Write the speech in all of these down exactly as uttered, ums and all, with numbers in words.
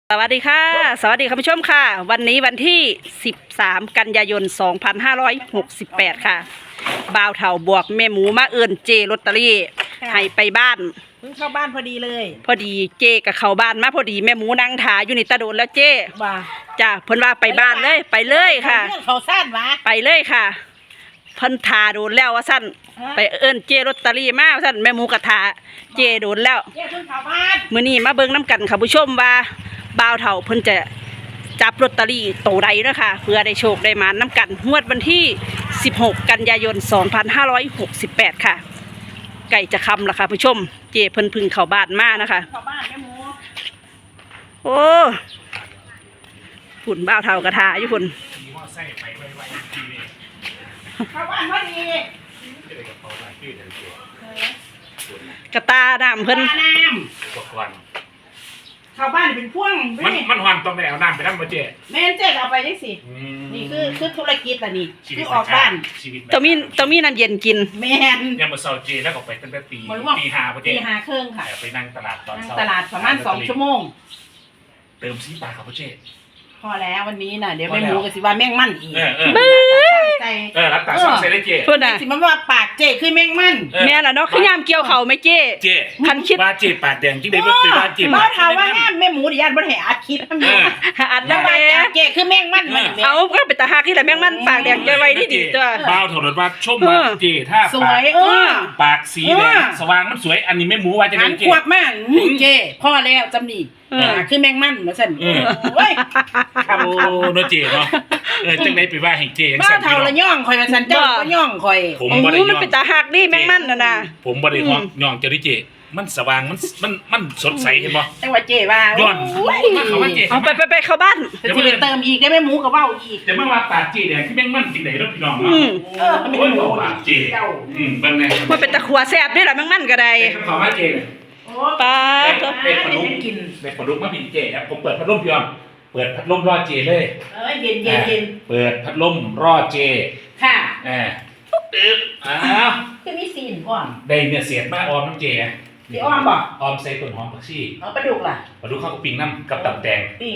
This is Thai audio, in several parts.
สวัสดีค่ะสวัสดีคุณผู้ชมค่ะวันนี้วันที่สิบสามกันยายนสองพันห้าร้อยหกสิบแปดค่ะบ่าวเฒ่าบวกแม่หมูมาเอิ้นเจลอตเตอรี่ให้ไปบ้านเพิ่งเข้าบ้านพอดีเลยพอดีเจกับเข้าบ้านมาพอดีแม่หมูนั่งถาอยู่นี่ตะโดนแล้วเจว่าจ้าเพิ่นว่าไปบ้านเลยไปเลยค่ะเขาสั้นวะไปเลยค่ะเพิ่นถาโดนแล้วว่าสั้นไปเอิ้นเจลอตเตอรี่มาว่าสั้นแม่หมูกะถาเจโดนแล้วเจเพิ่งเข้าบ้านมื้อนี้มาเบิ่งน้ำกันค่ะผู้ชมว่าบ่าวเฒ่าเพิ่นจะจับลอตเตอรี่โตใดเด้อค่ะเพื่อได้โชคได้มาน้ำกันงวดวันที่สิบหกกันยายนสองพันห้าร้อยหกสิบแปดค่ะไก่จะคำล่ะค่ะผู้ชมเจเพิ่นพึ่งเข้าบ้านมานะคะเข้าบ้านแม่หมูโอ้ฝุ่นบ่าวเฒ่ากระทาอยู่ฝุ่นเข้าบ้านพอดีกระตาน้ำเพิ่นน้ำเข้าบ้านเป็นพ่วงมันมันหอนต้องได้เอาน้ำไปนั่งมาเจ๊แม่เจ๊เอาไปได้สินี่คือคือธุรกิจละนี่คือออกบ้านต้องมีต้องมีน้ำเย็นกินแม่นยังมาเซาเจแล้วก็ไปตั้งแต่ตีตีห้าปะเจ๊ตีห้าครึ่งค่ะไปนั่งตลาดตอนเช้าตลาดประมาณสองชั่วโมงเติมซีปลาครับพ่อเจ๊พอแล้ววันนี้น่ะเดี๋ยวแม่หมูก็สิว่าแม่งมั่นอีกเออเออเออรับตาช่องใส่ได้เจ๊พูดน่ะสิมันว่าปากเจ๊คือแม่งมั่นแม่ล่ะเนาะขยามเกี่ยวเข่าไหมเจ๊เจ๊คันคิดว่าเจ๊ปากแดงจริงได้เป็นว่าเจ๊บ่ถามว่าแม่หมูดิญาติบ่ให้อัดคลิปมันอัดแล้วแม่เจ๊คือแม่งมั่นเอาก็เป็นตาฮักที่แหละแม่งมั่นปากแดงใจไว้ที่ดีตัวบ้าวถนนว่าชมว่าเจ๊ถ้าสวยเออปากสีแดงสว่างมันสวยอันนี้แม่หมูว่าจะเป็นเจ๊ขวบมากเจ๊พ่อแล้วจำนี่คือแมงมันมาสั่นเฮ้ยโอ้เนาะเจ๊เนาะเออจังได๋ไปว่าให้เจ๊จังซั่นบ้าเฒ่าละย่องข่อยว่าซั่นเจ้าก็ย่องข่อยผมบ่ได้ย่องมันเป็นตาฮักดิแมงมันน่ะนะผมบ่ได้ย่องเจ้าดิเจ๊มันสว่างมันมันมันสดใสเห็นบ่จังว่าเจ๊ว่าย้อนมาเข้ามาเจ๊เอาไปไปไปเข้าบ้านจะสิไปเติมอีกได้แม่หมูก็เว้าอีกจะมาว่าปากเจ๊แดงที่แมงมันจังได๋เนาะพี่น้องเนาะเออโอ้ยปากเจ๊อืมเบิ่งแน่มันเป็นตะขัวแซ่บดิล่ะแมงมันก็ได้เข้ามาเจ๊ป้าเด็กพัดลมกินเด็กพัดลมมาพินเจครับผมเปิดพัดลมพี่อมเปิดพัดลมรอเจเลยเอ้ยเย็นเย็นเย็นเปิดพัดลมรอเจค่ะเออตึ๊บอ้าวคือมีซีนก่อนได้เนี่ยเสียดมาออมน้ำเจพี่ออมบอกออมใส่ต้นหอมผักชีอ๋อปลาดุกล่ะปลาดุกข้าวปิ้งน้ำกับตับแตงปิ้ง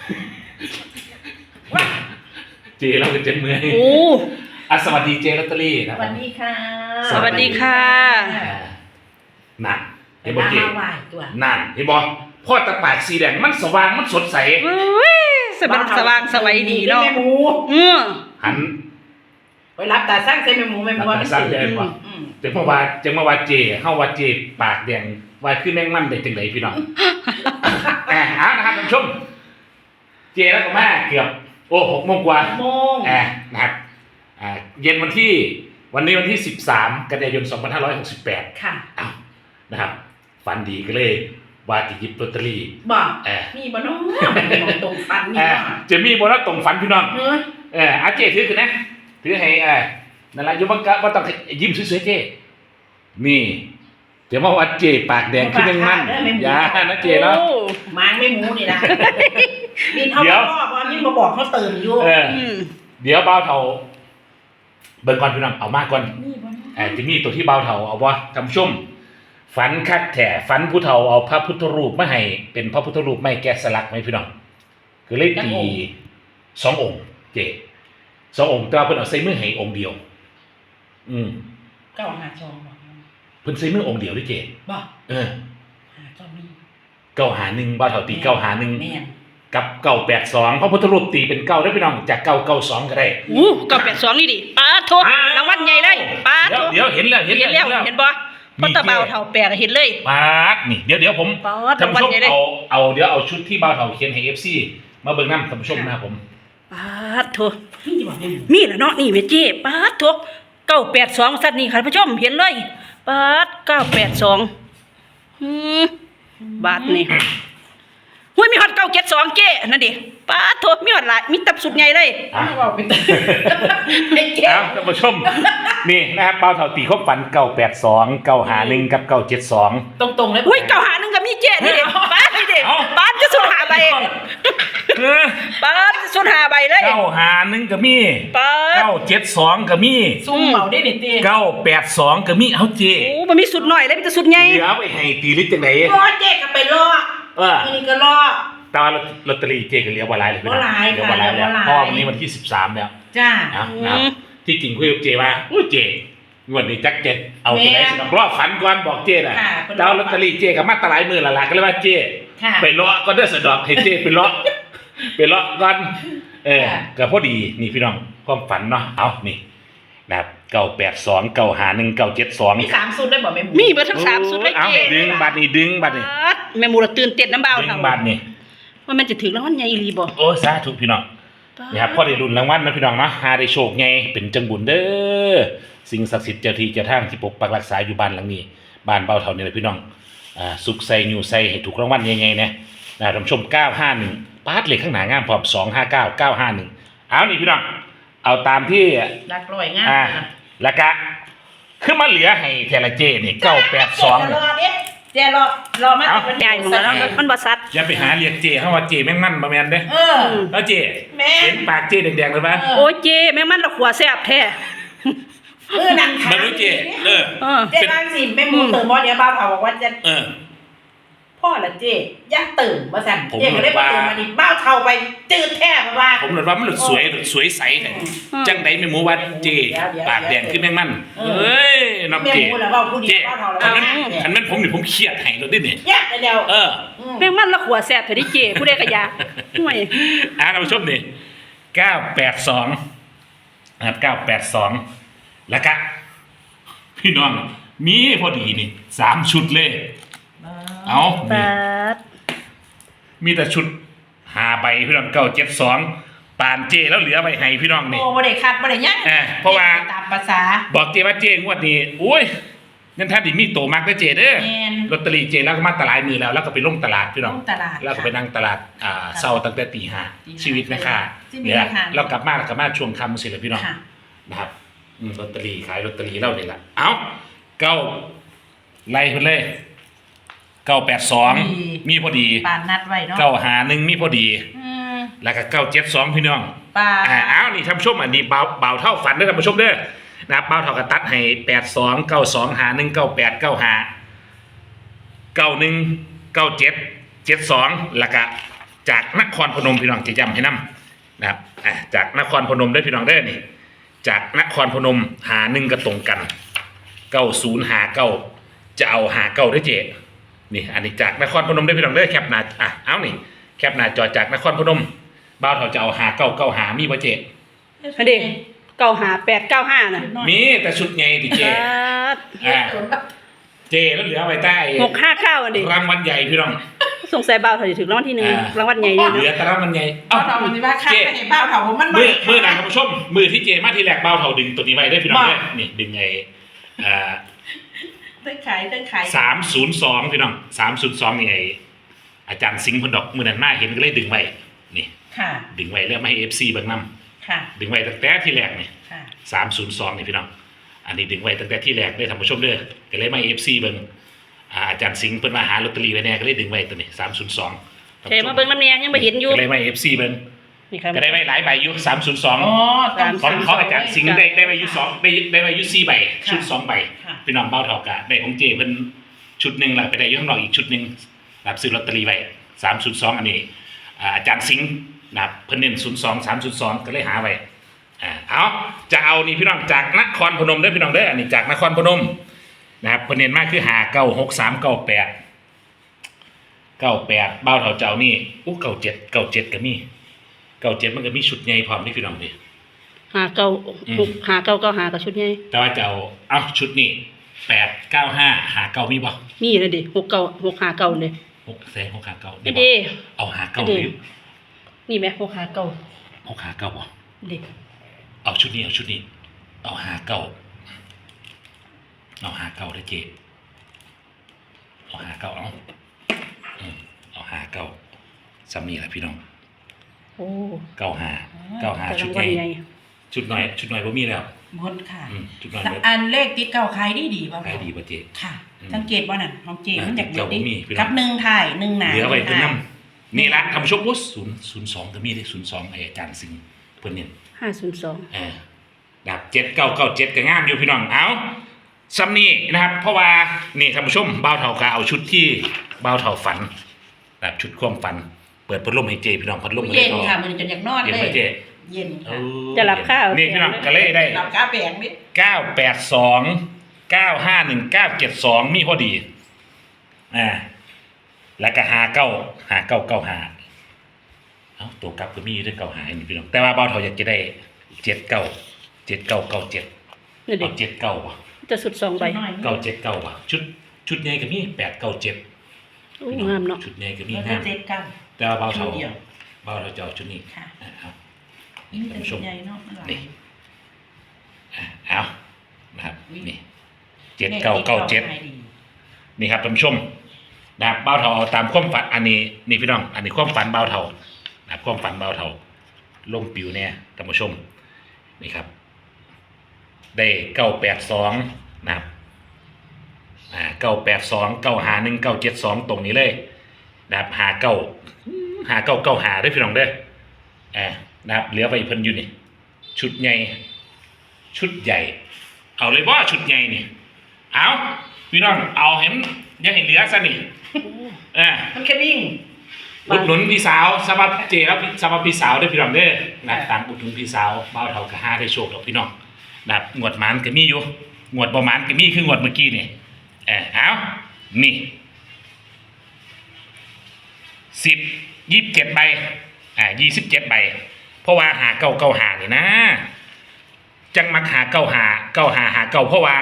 เจเราเป็นเจนเมื่อยโอ้อ่ะสวัสดีเจลอตเตอรี่นะสวัสดีค่ะสวัสดีค่ะหนักเห็นบ่เจนั่นเห็นบ่พ่อตะปากสีแดงมันสว่างมันสดใสเฮ้ยสว่างสว่างสวัยดีเนาะแม่หมูอือหันไปรับตาสร้างใส่แม่หมูแม่หมูว่าสร้างได้บ่แต่เมื่อวานจังเมื่อวานเจเฮาว่าเจปากแดงว่าคือแมงมันได้จังได๋พี่น้องอ่าเอานะครับท่านผู้ชมเจแล้วก็มาเกือบโอ้หกโมงกว่าโมงอ่านะครับอ่าเย็นวันที่วันนี้วันที่สิบสามกันยายนสองพันห้าร้อยหกสิบแปดค่ะอ้าวนะครับฝันดีก็เลยว่าจะหยิบลอตเตอรี่บอกมีบ่น้องมันตรงฝันนี่จะมีบ่น้องตรงฝันพี่น้องเอออาเจถือขึ้นนะถือให้เออนั่นแหละอยู่บังกะว่าต้องยิ้มสวยๆเจนี่เดี๋ยวมาวัดเจปากแดงขึ้นยังมั่นอย่านะเจเนาะมางไม่หมูนี่นะนี่เขาบอกว่านี่มาบอกเขาเติมอยู่เดี๋ยวเบาเท่าเบิ่งก่อนพี่น้องเอามากก่อนเออจะมีตัวที่เบาเท่าเอาวะทำชุ่มฝันคักแถ่ฝันผู้เฒ่าเอาพระพุทธรูปมาให้เป็นพระพุทธรูปไม่แกะสลักไหมพี่น้องคือเลขตีสององค์เจสององค์แต่ว่าเพิ่นเอาใส่มือให้องค์เดียวอืมเก้าหาสองเพิ่นใส่มือองค์เดียวด้วยเจบ่เออหาเจ้านี่เก้าหาหนึ่งบ่าวเฒ่าตีเก้าหาหนึ่งแม่นกับเก้าแปดสองพระพุทธรูปตีเป็นเก้าได้พี่น้องจากเก้าเก้าสองก็ได้อู้เก้าแปดสองนี่ดิป๊าโทรางวัลใหญ่เลยป๊าโทเดี๋ยวเห็นแล้วเห็นแล้วเห็นบ่พอตะเบาเฒ่าแปลกเห็นเลยป๊าดนี่เดี๋ยวเดี๋ยวผมท่านผู้ชมเอาเอาเดี๋ยวเอาชุดที่บ่าวเฒ่าเขียนให้ เอฟ ซี มาเบิ่งนำท่านผู้ชมนะครับผมป๊าดโทมีแล้วเนาะนี่เวจีป๊าดโทเก้าแปดสองสัตว์นี่ค่ะท่านผู้ชมเห็นเลยป๊าดเก้าแปดสองอือบาทนี่ห้วยมีฮอตเก้าเจ็ดสองเจ้นั่นดิป้าโทมีฮอตหลายมีตับสุดใหญ่เลยบอกเป็นไอ้เจ้าท่านผู้ชมนี่นะครับเป้าเท่าตีครบฝันเก้าแปดสองเก้าหาหนึ่งกับเก้าเจ็ดสองตรงๆเลยหุ้ยเก้าหาหนึ่งกับมีเจ้นี่ดิป้านี่ดิป้าจะสุดหาใบป้าจะสุดหาใบเลยเก้าหาหนึ่งกับมีป้าเก้าเจ็ดสองกับมีซุ่มเหมาได้ดิตีเก้าแปดสองกับมีเอาเจ้โอ้มันมีสุดหน่อยเลยมีแต่สุดใหญ่เดี๋ยวไปให้ตีลิตรจังไหนรอเจ๊ก็ไปรอเออนี่ก็รอตอนลอตเตอรี่เจก็เหลือบ่หลายเลยพี่น้องบ่หลายเหลือบ่หลายค่ะแล้วเหลือบ่หลายเพราะว่าวันนี้วันที่สิบสามแล้วจ้านะนะครับที่จริงคุยกับเจว่าอุ้ยเจงวดนี้จักเจ็ดเอาตัวไหนแม่สิน้องรอบฝันก่อนบอกเจน่ะค่ะเพิ่นดาวลอตเตอรี่เจกับมาตะหลายมือละล่ะก็เลยว่าเจค่ะไปเลาะก็ได้สะดอกให้เจไปเลาะ ไปเลาะก่อนเออค่ะก็พอดีนี่พี่น้องความฝันเนาะเอานี่นะครับเก้าแปดสองเก้าหาหนึ่งเก้าเจ็ดสองมีสามสูตรได้บ่แม่หมูมีเบิดทั้งสามสุดเลยเอาเจ๊ดึงบัตรนี่ดึงบัตรนี่ป๊าดแม่หมูละตื่นเต้นน้ำเบาดึเท่างบัตรนี่ว่ามันจะถึงรางวัลใหญ่อีหลีบ่โอ้สาธุพี่น้องนี่ครับพอได้รุ่นรางวัลนะพี่น้องเนาะหาได้โชคไงเป็นจังบุญเด้อสิ่งศักดิ์สิทธิ์เจ้าที่เจ้าทางที่ปกปักรักษาอยู่บ้านหลังนี้บ้านเบาเท่านี่แหละพี่น้องอ่าสุขใส่อยู่ใส่ให้ถูกรางวัลยังไงนะนะท่านผู้ชมเก้าห้าหนึ่งปาดเลขข้างหน้างามพร้อมสองห้าเก้า เก้าห้าหนึ่งเอานี่พี่น้องเอาตามที่รักร้อยงามอ่านะแล้วก็คือมาเหลือให้เทละเจนี่เก้าแปดสองเจ๊รอเด้เจ๊รอรอมาเอ้าเป็นใหญ่ของเราแล้วมันบ่ซัดอย่าไปหาเรียกเจเขาว่าเจแม่งมั่นมาแมนเด้เออแล้วเจแม่นเห็นปากเจแดงๆเลยปะเออโอ้ยเจ๊แม่งมันละขัวแซ่บแท้เออนั่นค่ะมันรู้เจเออเออเจ๊นั่งสิแม่หมูเติมบ่เดี๋ยวบ้าวเผาบอกว่าจะเออพ่อละเจ๊อย่าตื่นมาสั่นผมเจ๊ก็เลยมาตื่นว่ามาดิบ้าวเท่าไปจืดแท้มาว่าผมเลยว่ามันหลุดสวยหลุดสวยใสแท้จังไดไม่หมูว่าเจเดี๋ยวเดี๋ยวปากแดงขึ้นแม่งมั่นเออเอ้ยน้องแม่เจหมูแล้วเว้าผู้เดีเจยวบ้าวเท่าแล้วคันว่านั้นแม่คันนั้นผมนี่ผมเครียดให้เราดิเนี่ยแยกไปแล้วเออมแม่งมันละขัวแซ่บเถอะดิเจ๊ผู้ใดก็อยากห่วยอ่าท่านผู้ชมนี่เก้าแปดสองนะครับเก้าแปดสองแล้วก็พี่น้องมีพอดีนี่สามชุดเลย เอานี่ป๊าดมีแต่ชุดหาใบพี่น้องเก้าเจ็ดสองปานเจแล้วเหลือใบให้พี่น้องนี่โอ้บ่ได้คัดบ่ได้หยังเออเพราะว่าตามภาษาบอกเจว่าเจงวดนี้อุ้ยนั่นท่านดิมีโตมากนะเจเด้อแม่นลอตเตอรี่เจแล้วก็มาตลาดมือแล้ว แล้วก็ไปลงตลาดพี่น้องลงตลาดแล้วก็ไปนั่งตลาดอ่าเศร้าตั้งแต่ตีห้าตีห้าชีวิตนะคะชีวิตเนี่ยนะคะเรากลับมาแล้วกลับมาช่วงค่ำสิเลยพี่น้องค่ะนะครับอืมลอตเตอรี่ขายลอตเตอรี่เล่าเนี่ยละเอ้าเก้าไล่คนเลยเก้าแปดสองมีมีพอดีปานนัดไว้เนาะเก้าหาหนึ่งมีพอดีอืมแล้วก็เก้าเจ็ดสองพี่น้องปาอ่าอ้าวนี่ท่านผู้ชมอันนี้เบาเบาเท่าฝันเด้อท่านผู้ชมเด้อนะครับเบาเท่ากระตัดให้แปดสองเก้าสองหาหนึ่งเก้าแปดเก้าหาเก้าหนึ่งเก้าเจ็ดเจ็ดสองแล้วก็จากนครพนมพี่น้องจะจำให้นำนะครับอ่าจากนครพนมได้อพี่น้องเด้อนี่ จากนครพนมหาหนึ่งก็ตรงกันเก้าศูนย์หาเก้าจะเอาหาเก้าได้อเจนี่อันนี้จากนครพนมได้อพี่น้องเด้อแคปหน้าอ่ะเอานี่แคปหน้าจอจากนครพนมบ้าวเท่าจะเอาหาเก้าเก้าหามีบ่เจอันนี้เก้าห้าแปดเก้าห้าน่ะมีแต่ชุดไงดิเจป๊าดอ่าเจแล้วเหลือไว้ใต้หกห้าเก้าอันนี้รางวัลใหญ่พี่น้องสงสัยเบาเถอะถึงรางวัลที่หนึ่งอ่ารางวัลใหญ่นี่เหลือเนาะแต่รางวัลใหญ่เอาเอ้าเรามันสิว่าคัดเจไปให้บ้าวเผาผมมันบ่มือได้มือหนังท่านผู้ชมมือที่เจมาที่แรกบ้าวเท่าดึงตัวนี้ไว้ได้อพี่น้องเด้อนี่ดึงไงอ่าเต้นขายเต้นขายสามศูนย์สองพี่น้องสามศูนย์สองนี่ไงอาจารย์สิงห์พนดอกมือนั้นมาเห็นก็เลยดึงไว้นี่ค่ะดึงไว้แล้วไม่ให้เอฟซีเบิ่งนค่ะำดึงไว้ตั้งแต่ที่แรกนี่ค่ะสามศูนย์สองนี่พี่น้องอันนี้ดึงไว้ตั้งแต่ที่แรกได้อท่านผู้ชมเด้อก็เลยไม่เอฟซีเบิ่งอ่าอาจารย์สิงห์เพิ่นมาหาลอตเตอรี่ไว้แน่ก็เลยดึงไว้ตัวนี้สามศูนย์สองเทมาเบิ่งน้ำเนียยังไม่เห็นอยู่ก็เลยไม่เอฟซีเบิ่งนี่ครับก็ได้ไว้หลายใบอยู่สามศูนย์สองอ๋อต้องของของอาจารย์สิงห์ได้ได้ไว้อยู่สองได้ได้ไว้อยู่สี่ใบค่ะชุดสองใบค่ะพี่น้องเบ้าเท่ากะได้ของเจเพิ่นชุดหนึ่งแล้วไปได้อยู่ข้างนอกอีกชุดหนึ่งนะครับซื้อลอตเตอรี่ไว้สามศูนย์สองอันนี้อ่าอาจารย์สิงห์นะครับเพิ่นเน้นศูนย์สองสามศูนย์สองก็เลยหาไว้อ่าเอาจะเอานี่พี่น้องจากนครพนมเด้อพี่น้องเด้ออันนี้จากนครพนมนะครับเพิ่นเน้นมากคือหาเก้าหกสามเก้าแปดเก้าแปดเบ้าเท่าเจ้านี่อู้เก้าเจ็ดเก้าเจ็ดก็มีเก้าเจ็ดมันก็มีชุดใหญ่พร้อมนี่พี่น้องดิหาเก้าอืมหกหาเก้าเก้าหากับชุดใหญ่แต่ว่าจะเอาเอาชุดนี้แปดเก้าห้าหาเก้ามีบ่มีนะดิหกเก้าหกหาเก้าเลยหกแสนหกหาเก้านี่ได้บ่ดิเอาหาเก้านี่หดิรือนี่ไหมหกหาเก้าหกหาเก้าบ่ดิเอาชุดนี้เอาชุดนี้ เอาหาเก้าเอาหาเก้าได้อเจเอาหาเก้าเอาอืมเอาหาเก้าซ้ำนี่แหละพี่น้องโอ้เก้าหาเก้าหาแต่ชุราดงใหวัลญ่ใหญ่ชุดหน่อยชุดหน่อยบ่มีแล้วหมดค่ะอืมชุดหน่อยเบิดอันเลขติดเก่าขายดีดีป่ะขายดีบ่เจค่ะอืมสังเกตว่านั่นของเจมันจากเจ้าบ่มีพี่น้องกับหนึ่งถ่ายหนึ่งหนาเหลือไว้เพิ่นถ่ายนำนี่ละทำชมวุฒิศูนย์ศูนย์สองก็มีได้ศูนย์สองไอ้อาจารย์สิงห์เพิ่นเนี่ยห้าศูนย์สองเออดับเจ็ดเก้าเก้าเจ็ดก็งามอยู่พี่น้องเอาซ้ำนี่นะครับ เพราะว่านี่ท่านผู้ชมบ่าวเฒ่าก็เอาชุดที่บ่าวเฒ่าฝันแบบชุดความฝันเปิดพัดลมให้เจพี่น้องพัดลมเย็นก็ค่ะมันจนอยากนอนเย็นเลไหมยเจเย็นเอค่ะอจะหลับข้าวนี่พี่น้องก็เลยได้หลับกาแฟงนิดเก้าแปดสองเก้าห้าหนึ่งเก้าเจ็ดสองมีพอดีอ่าแล้วก็หาเก้าหาเก้าเก้าหาเอ้าตัวกลับก็มีเรื่องเก้าหานี่พี่น้องแต่ว่าเบาเท่าอยากจะได้เจ็ดเก้าเจ็ดเก้าเก้าเจ็ดนี่ดิเอาเจ็ดเก้าว่ะจะสุดสองใบหน่อยเก้าเจ็ดเก้าว่ะชุดชุดใหญ่ก็มีแปดเก้าเจ็ดโอ้งามเนาะชุดใหญ่ก็มีแล้วงามเจ็ดกันแต่ว่าเบาเท่าชุดเดียวเบาเท่าจะเอาชุดนี้ค่ะอ่าเอานี่ท่านเป็นผู้ชมใหญ่เนาะมันหลายนี่อ่าเอานะครับนี่เจ็ดเก้าเก้าเจ็ด นี่ครับท่านผู้ชมนะครับเบาเท่าเอาตามความฝันอันนี้นี่พี่น้อง อันนี้ความฝันเบาเท่านะครับความฝันเบาเท่าลงปิวเนี่ยท่านผู้ชมนี่ครับ ได้เก้าแปดสองนะครับอ่าเก้าแปดสองเก้าหาหนึ่งเก้าเจ็ดสองตรงนี้เลยนะครับหาเก้าหาเก้าเก้าหาได้อพี่น้องเด้ออ่านะครับเหลือไปเพิ่นอยู่นี่ชุดใหญ่ชุดใหญ่ เอาเลยว่าชุดใหญ่นี่เอาพี่น้องเอาเห็นยังเห็นเหลือซะนี่อ่ามันแค่นิ่งอุดหนุนพี่สาวสำหรับเจครับสำหรับพี่สาวด้วยพี่น้องเด้อนะตามอุดหนุนพี่สาวเบ้าเท่ากะห้าได้โชคกับพี่น้องนะงวดหมานก็มีอยู่งวดบ่หมานก็มีคืองวดเมื่อกี้นี่เออเอานี่สิบยี่สิบเจ็ดใบอ่ายี่สิบเจ็ดใบเพราะว่าหาเก้าเก้าหานี่นะจังมักหาเก้าหาเก้าหาหาเก้าเพราะว่า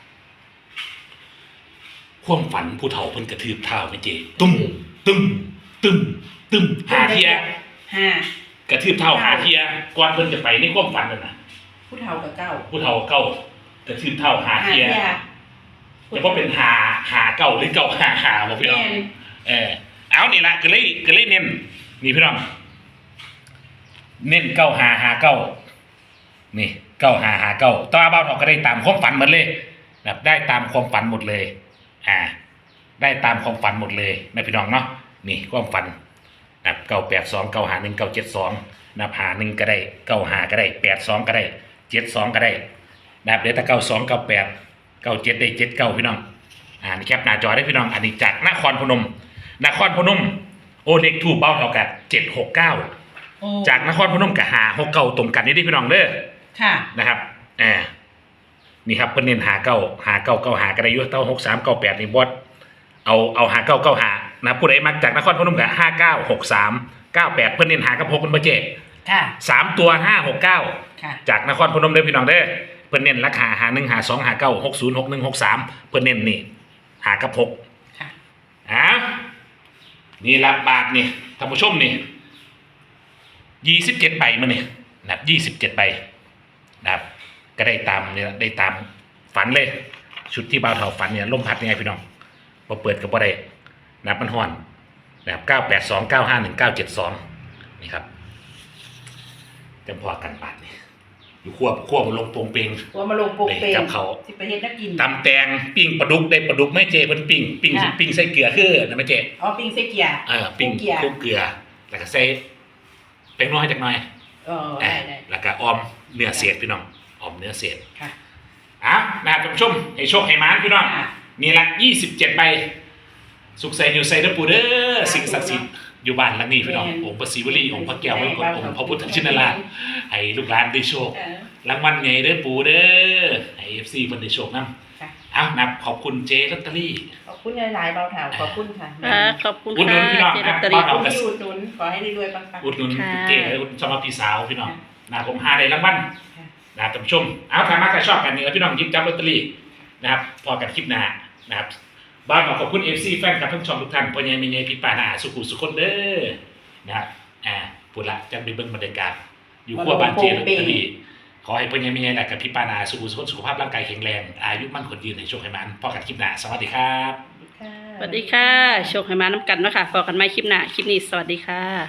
ความฝันผู้เฒ่าเพิ่นกระทืบเท้าไม่เจตุ้มตุ้มตึมตึมหาเทียห้ากระทืบเท้าหาเทียก่อนเพิ่นจะไปในความฝันนั่นน่ะผู้เฒ่ากับเก้าผู้เฒ่าเก้ากระทืบเท้าหาหาเทียเทียจะว่าเป็นหาหาเก้าหรือเก้าหาหาบ่พี่น้องแม่นเออเอานี่ละก็เลยก็เลยเน้นนี่พี่น้องเน้นเก้าหาหาเก้านี่เก้าหาหาเก้าต่อเบาเฒ่าก็ได้ตามความฝันหมดเลยแบบได้ตามความฝันหมดเลยอ่าได้ตามความฝันหมดเลยนะพี่น้องเนาะนี่ความฝันนะเก้าแปดสองเก้าหาหนึ่งเก้าเจ็ดสองนะหาหนึ่งก็ได้เก้าหาก็ได้แปดสองก็ได้เจ็ดสองก็ได้นะเดี๋ยวถ้าเก้าสองเก้าแปดเก้าเจ็ดได้เจ็ดเก้าพี่น้องอ่านี่แคปหน้าจอได้พี่น้องอันนี้จากนครพนมนครพนมโอเล็กทูเบ้าเท่ากันเจ็ดหกเก้าโอ้จากนครพนมกับหาหกเก้าตรงกันนี่ดิพี่น้องเด้อค่ะนะครับอ่านี่ครับเพิ่นเน้นหาเก้าหาเก้าเก้าหากระไดอยุเต้าหกสามเก้าแปดนี่บอสเอาเอาหาเก้าเก้าหานะผู้ใดมักจากนครพนมกับห้าเก้าหกสามเก้าแปดเพิ่นเน้นหากับหกเป็นประเจค่ะสามตัวห้าหกเก้าค่ะจากนครพนมเด้อพี่น้องเด้อเพิ่นเน้นราคาหาหนึ่งหาสองหาเก้าหกศูนย์หกหนึ่งหกสามเพิ่นเน้นนี่หากับหกค่ะอ่านี่ละบาทนี่ท่านผู้ชมนี่ยี่สิบเจ็ดใบมาเนี่ยนะครับยี่สิบเจ็ดใบนะครับก็ได้ตามเนี่ยได้ตามฝันเลย ชุดที่บ่าวเฒ่าฝันเนี่ยลมพัดยังไงพี่น้องพอเปิดกับบ่ได้นะครับมันห่อนนะครับเก้าแปดสองเก้าห้าหนึ่งเก้าเจ็ดสองนี่ครับจำพอกันบาทนี่อยู่ควบควบลงโปงเปงตัวมาลงโปกเปกับเขาสิไปเฮ็ดนักกินตำแตงปิ้งปลาดุกได้ปลาดุกไม่เจเพิ่นปิ้งปิ้งค่ะปิ้งใส่เกลือคือนะไม่เจอ๋อปิ้งเสเกียร์เออปิ้งเกียร์คลุกเกลือแล้วก็ใส่เป็นน้อยจักหน่อยเออเอได้อได้แล้วก็ออมเนื้อเศษพี่น้องออมเนื้อเศษค่ะอ่ะนะครับท่านผู้ชมให้โชคให้หมานพี่น้องค่ะนี่ละยี่สิบเจ็ดใบสุขใส่อยู่ใส่เด้อปู่เด้อสิ่งศักดิ์สิทธิ์อยู่บ้านหลังนี้พี่น้องแม่นองค์พระศิวลีองค์พระแก้วมรกตแม่นองค์พระพุทธชินราชให้ลูกหลานได้โชคเออรางวัลใหญ่เด้อปู่เด้อให้ เอฟ ซีเพิ่นได้โชคนำค่ะเอานับขอบคุณเจลอตเตอรี่ขอบคุณหลายๆเบาเถาขอบคุณค่ะอ่าขอบคุณอุดหนุค่ะนพี่น้องเจลอตเตอรี่บ้านเราขอบคุณที่อุดหนุนขอให้รวยๆปังๆอุดหนุนค่ะเจและอุดหนุนสำหรับพี่สาวพี่น้องค่ะนะผมหาได้รางวัลค่ะนะครับท่านผู้ชมเอาถ้ามาใครชอบกันนี่แล้วพี่น้องหยิบจับลอตเตอรี่นะครับพอกันคลิปหน้านะครับบ้านขอบคุณ เอฟ ซี แฟนคลับทั้งช่องทุกท่านพ่อใหญ่แม่ใหญ่พี่ป้าน้าสุขุสุขคนเด้อนะครับอ่าพูดละจังไปเบิ่งบรรยากาศอยู่ขั้วบ้านเจลอตเตอรี่ขอให้พ่อใหญ่แม่ใหญ่และกับพี่ป้าน้าสุขุสุขคนสุขภาพร่างกายแข็งแรงอายุมั่นขวัญยืนในโชคให้มันพอกันคลิปหน้าสวัสดีครับค่ะสวัสดีค่ะ โชคให้มาน้ำกันเนาะค่ะพอกันใหม่คลิปหน้า คลิปนี้สวัสดีค่ะ